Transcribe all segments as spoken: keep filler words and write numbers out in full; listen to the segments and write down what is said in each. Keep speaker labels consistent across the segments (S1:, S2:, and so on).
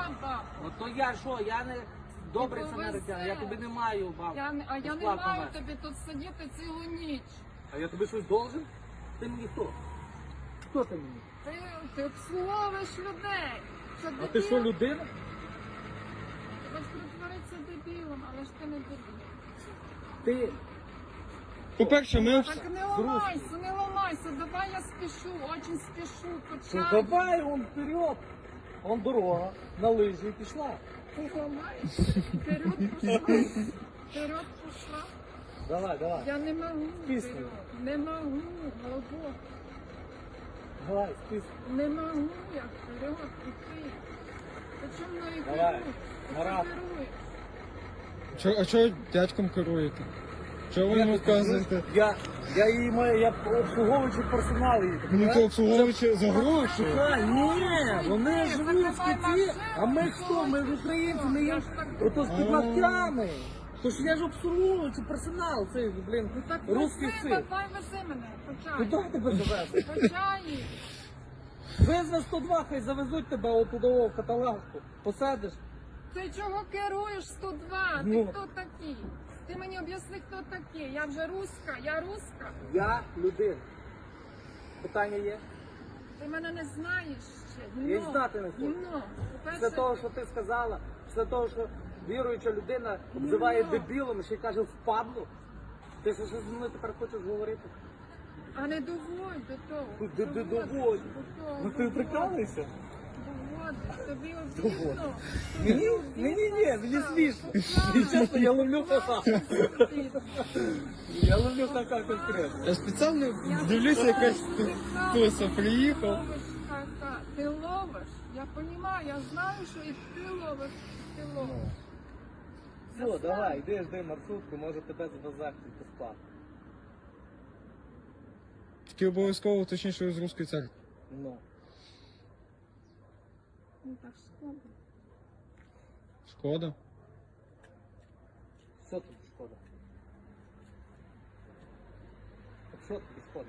S1: я бабу.
S2: Ну то я що, я не добрий
S1: Ти
S2: самаритян, я
S1: повезе.
S2: тобі не маю бабу.
S1: Я не, а я не
S2: безплатно
S1: маю
S2: вести.
S1: тобі тут сидіти цілу ніч.
S2: А я тобі щось должен? Ти мені хто? Хто ти мені?
S1: Ти, ти обслуговуєш людей. Що,
S2: А ти що, людина?
S1: Ти хочеш притворитися дебілом, але ж ти не дебіл.
S2: Ти
S3: По-перше, ми...
S1: Так не ламайся, не ламайся, давай я спішу, очень спішу,
S2: Ну
S1: почав.
S2: давай, он вперед. Он дорога, на лижі і пішла.
S1: Ти ламаєшся, вперед пішла, вперед пішла.
S2: Давай, давай.
S1: Я не можу
S2: Пісню.
S1: вперед, не можу, голубо,
S2: Давай, спись.
S1: не можу я вперед піти. Ти чому мною
S2: Давай,
S1: керуєш? Ти
S2: Марат.
S1: чому керуєш?
S3: Чо, а чого дядьком керуєте? Чого ви йому вказуєте?
S2: Я, я її маю, я обслуговуючий персонал її.
S3: Ну то обслуговуючи за гроші.
S2: А, ні, вони живуть в
S1: закривай
S2: Киті,
S1: машину,
S2: а ми хто? Ми ж українці, ми є ото з підлатками. Тож я ж обслуговуючий персонал, цей, блін,
S1: Ну так
S2: русський
S1: вези,
S2: цирк.
S1: давай вези мене, почай.
S2: Куди тебе завезти?
S1: Почай.
S2: Визви сто два, хай завезуть тебе отудово в каталажку. Посадиш.
S1: Ти чого керуєш сто два? Ти
S2: Ну.
S1: хто такий? Ти мені об'ясни, хто такий. Я вже руська, я руська.
S2: Я людина. Питання є?
S1: Ти мене не знаєш ще.
S2: Я й
S1: Гімно.
S2: знати не хочу.
S1: Гімно.
S2: Після
S1: По-перше,
S2: того, що ти сказала, після того, що віруюча людина обзиває
S1: Ну.
S2: дебілом, ще й каже впадло. Ти що зі мною тепер хочеш говорити?
S1: а не доводь до того.
S2: Ну, де- де
S1: Доводь
S2: доводь?
S1: до того,
S2: Ну ти
S1: доводь.
S2: прикалуєшся?
S1: Доводь. Тобі обідно.
S2: Мені, мені ні, мені смішно. І чесно, я ловлю ха-ха. Я ловлю ха-ха конкретно.
S3: Я спеціально дивлюся, якась туса приїхав.
S1: Ти ловиш, я розумію, я знаю, що і ти ловиш, і ти ловиш.
S2: Все, давай, йди, жди маршрутку, може тебе звезати безплатно.
S3: Тільки обов'язково уточніть, що ви з руської церкви.
S2: Ну.
S1: Ну так шкода.
S3: Шкода.
S2: Що тобі шкода? Так що тобі шкода?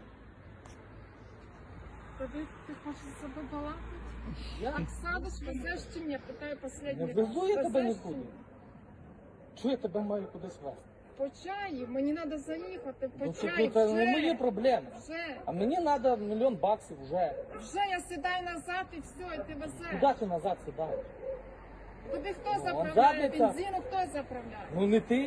S1: Тобі ти хочеш з собою балакати?
S2: Я
S1: Так садиш, везеш чи ні? Питаю
S2: не
S1: останній раз.
S2: везу я тебе
S1: Везеш чи
S2: нікуди.
S1: ні?
S2: Чого я тебе маю кудись везти?
S1: По чаю, мені треба заїхати, по
S2: Ну це,
S1: чаю,
S2: ну, це не
S1: вже,
S2: мої проблеми.
S1: вже,
S2: А мені треба мільйон баксів вже.
S1: вже я сідаю назад і все, і ти везеш.
S2: Куди ти назад сідаєш?
S1: Тобі хто
S2: Ну,
S1: заправляє
S2: задниця.
S1: бензину, хто заправляє?
S2: Ну не ти.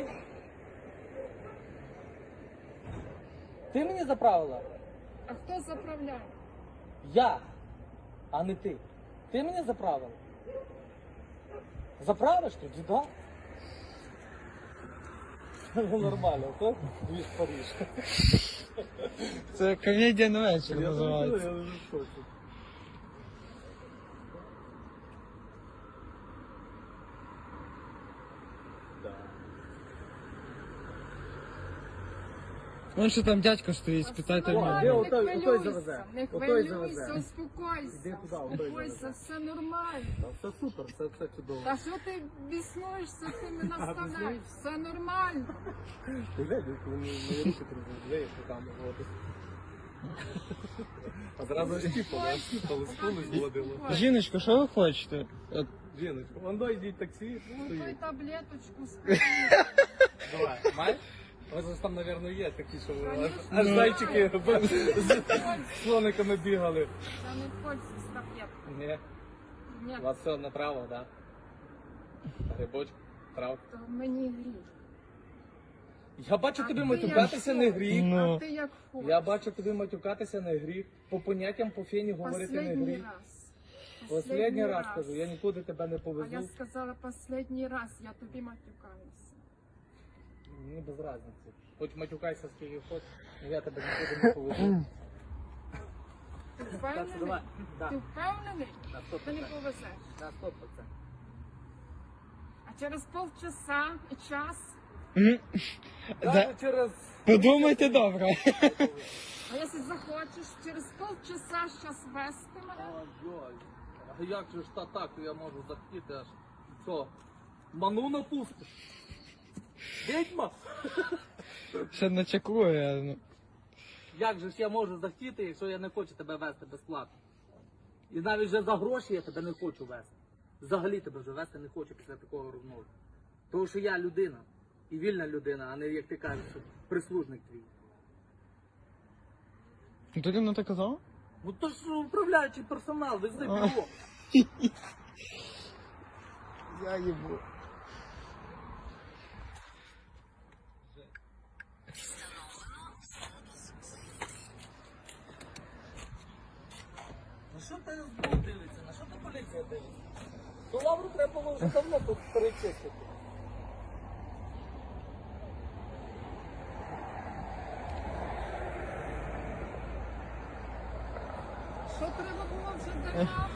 S2: Ти мені заправила?
S1: А хто заправляє?
S2: Я, а не ти. Ти мені заправила? Заправиш тоді, так? Ну нормально, то дві ж Париж.
S3: Це комедія на вечір
S2: Я
S3: називається.
S2: я вже в шоці. Да.
S3: Вон що там дядько стоїть, спитайте в
S2: О,
S3: нього.
S2: де
S1: Не
S2: отой- отой
S1: хвилюйся,
S2: завезе.
S1: не
S2: Отой
S1: хвилюйся,
S2: завезе.
S1: успокойся,
S2: Іди туди, отой
S1: успокойся,
S2: завезе.
S1: все нормально.
S2: Та все супер, все, все чудово.
S1: Та що ти біснуєшся, ти не наставляєш, все нормально.
S2: Ти глянь, коли мої мої руки трудові, що там от. А зразу щіпали, а щіпали, скули зводили.
S3: Жіночко, що ви хочете? От,
S2: Жіночко, вон до йдіть таксі,
S1: Ну, той
S2: стоїть.
S1: таблеточку скажи.
S2: Давай, маєш? Ось ж там, мабуть, є такі, що аж,
S1: Конечно.
S2: аж зайчики з слониками бігали.
S1: Та не хочеться з таблеткою.
S2: Ні,
S1: Ні,
S2: у вас все на травах, так? Да? Грибочок, трав.
S1: то мені гріх.
S2: Я бачу
S1: А
S2: тобі
S1: ти
S2: матюкатися
S1: як
S2: не
S1: що?
S2: гріх.
S3: Ну.
S1: А ти як хочеш.
S2: Я бачу тобі матюкатися не гріх. По поняттям по фені говорити не
S1: Последній
S2: гріх.
S1: раз.
S2: Последній раз кажу, я нікуди тебе не
S1: А я
S2: повезу.
S1: сказала последній раз, я тобі матюкаюся.
S2: Мені без разниці. Хоч матюкайся скільки хочеш, але я тебе нікуди не повезу.
S1: Ти
S2: Так що
S1: впевнений?
S2: давай. Да.
S1: Ти впевнений?
S2: На сто
S1: Ти не
S2: процентів.
S1: повезеш.
S2: На сто процентів.
S1: А через полчаса і час,
S3: Мгм.
S2: Даже через...
S3: Подумайте добре.
S1: а якщо захочеш, через полчаса щас вести мене,
S2: Ой-ой. А як же ж та так я можу захотіти аж? Що? Ману напустиш? Відьма?
S3: Ще не чекує. Ну.
S2: Як же ж я можу захотіти, якщо я не хочу тебе вести безплатно? І навіть вже за гроші я тебе не хочу вести. взагалі тебе вже вести не хочу після такого розмови. Тому що я людина. І вільна людина, а не, як ти кажеш, що прислужник твій.
S3: Ну ти рівно так казав?
S2: Ну то ж управляючий персонал, вези бюро.
S3: Я їбу.
S2: На що ти СБУ дивиться? На що ти поліція дивиться? То лавру треба було вже давно тут перечистити.
S1: Що треба було вже давно?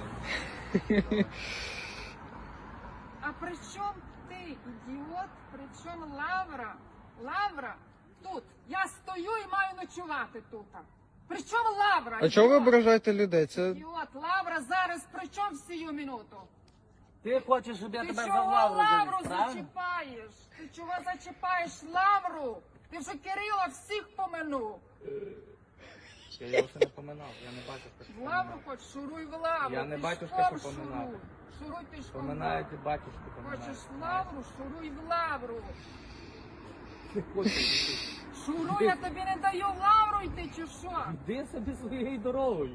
S1: А при чому ти, ідіот? При чому Лавра? Лавра тут. Я стою і маю ночувати тут. При чому Лавра?
S3: А чого ви
S1: ідіот?
S3: ображаєте людей? Це
S1: Ідіот, Лавра зараз при чому в сію минуту?
S2: Ти хочеш, щоб я
S1: Ти
S2: тебе за
S1: чого
S2: лавру
S1: Лавру
S2: завіз, правильно?
S1: зачіпаєш? Ти чого зачіпаєш Лавру? Ти вже Кирила всіх поминув.
S2: Я його ще не поминав, я не бачив, що
S1: В Лавру хоч, шуруй в Лавру.
S2: Я не батюшка,
S1: пішком
S2: що поминати.
S1: шуруй. Шуруй пішком. в
S2: Поминають і
S1: Лавру.
S2: батюшки
S1: Хочеш
S2: поминають.
S1: в Лавру, шуруй в Лавру.
S2: Ти хочеш йти.
S1: Шуруй, я тобі не даю в Лавру йти, чи що?
S2: Іди собі своєю дорогою.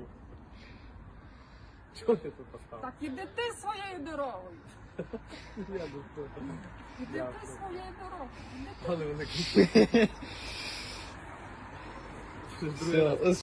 S2: Чого ти тут поставив?
S1: Так іди ти своєю дорогою.
S2: Я до цього.
S1: Іди
S2: Дякую.
S1: ти своєю дорогою. Іди ти.
S2: Але вони кричать. Другий раз.
S3: все.